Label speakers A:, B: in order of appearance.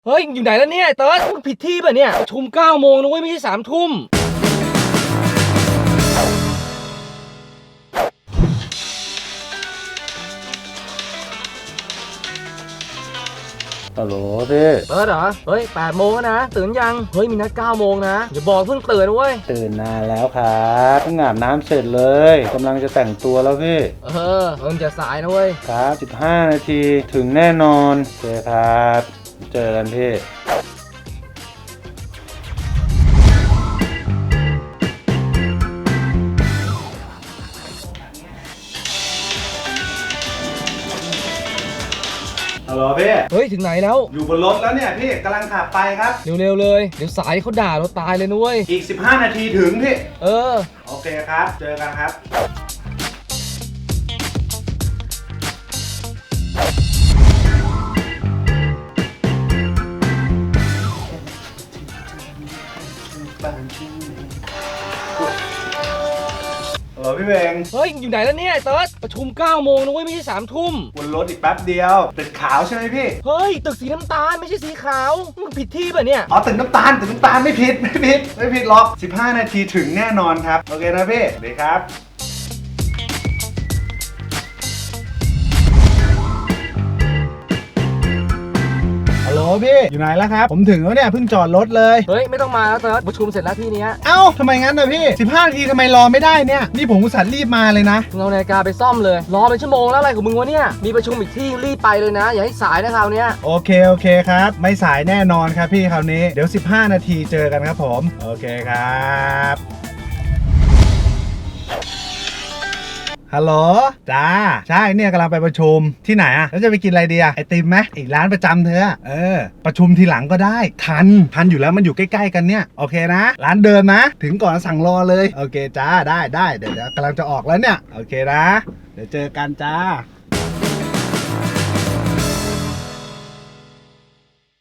A: เฮ้ยอยู่ไหนแล้วเนี่ยเติร์ดมึงผิดที่ป่ะเนี่ยประชุม9 โมงนะเว้ยไม่ใช่3 ทุ่ม
B: ฮัลโหลพี่
A: เติร์ดเหรอเฮ้ย8 โมงแล้วนะตื่นยังเฮ้ยมีนัด9 โมงนะอย่าบอกเพิ่งตื่นนะเว้ย
B: ตื่นนานแล้วครับเพิ่งอาบน้ำเสร็จเลยกำลังจะแต่งตัวแล้วพี่
A: มึงจะสายนะเว้ย
B: ครับ15 นาทีถึงแน่นอนโอเคครับเจอกันพี่ฮัลโหลพี่
A: เฮ้ยถึงไหนแล้ว
B: อยู่บนรถแล้วเนี่ยพี่กำลังขับไปครับ
A: เร็วๆเลยเดี๋ยวสายเขาด่าเราตายเลยนะเว้ย
B: อีก15 นาทีถึงพี่โอเคครับเจอกันครับพี่เบง
A: เฮ้ยอยู่ไหนแล้วเนี่ยเติร์ดประชุม9 โมงนะเว้ยไม่ใช่3 ทุ่ม
B: บนรถอีกแป๊บเดียวตึกขาวใช่ไหมพี่
A: เฮ้ยตึกสีน้ำตาลไม่ใช่สีขาวมึงผิดที่ป่ะเนี่ย
B: อ๋อตึกน้ำตาลไม่ผิดหรอก15 นาทีถึงแน่นอนครับโอเคนะพี่ดีครับฮัลโหลพี่อยู่ไหนแล้วครับผมถึงแล้วเนี่ยเพิ่งจอดรถเลย
A: เฮ้ยไม่ต้องมาแล้วเติร์ดประชุมเสร็จแล้วที่เนี้ย
B: เอ้าทำไมงั้นนะพี่15 นาทีทำไมรอไม่ได้เนี่ยนี่ผมอุตส่าห์รีบมาเลยนะ
A: มึงเอานาฬิกาไปซ่อมเลยรอเป็นชั่วโมงแล้วอะไรของมึงวะเนี่ยมีประชุมอีกที่รีบไปเลยนะอย่าให้สายนะคราวเนี้ย
B: โอเคครับไม่สายแน่นอนครับพี่คราวนี้เดี๋ยว15 นาทีเจอกันครับผมโอเคครับฮัลโหลจ้าใช่เนี่ยกำลังไปประชุมที่ไหนอะแล้วจะไปกินอะไรดีอะไอติมไหมอีกร้านประจำเธอประชุมทีหลังก็ได้ทันอยู่แล้วมันอยู่ใกล้ๆกันเนี่ยโอเคนะร้านเดิมนะถึงก่อนสั่งรอเลยโอเคจ้าได้เดี๋ยวกำลังจะออกแล้วเนี่ยโอเคนะเดี๋ยวเจอกันจ้า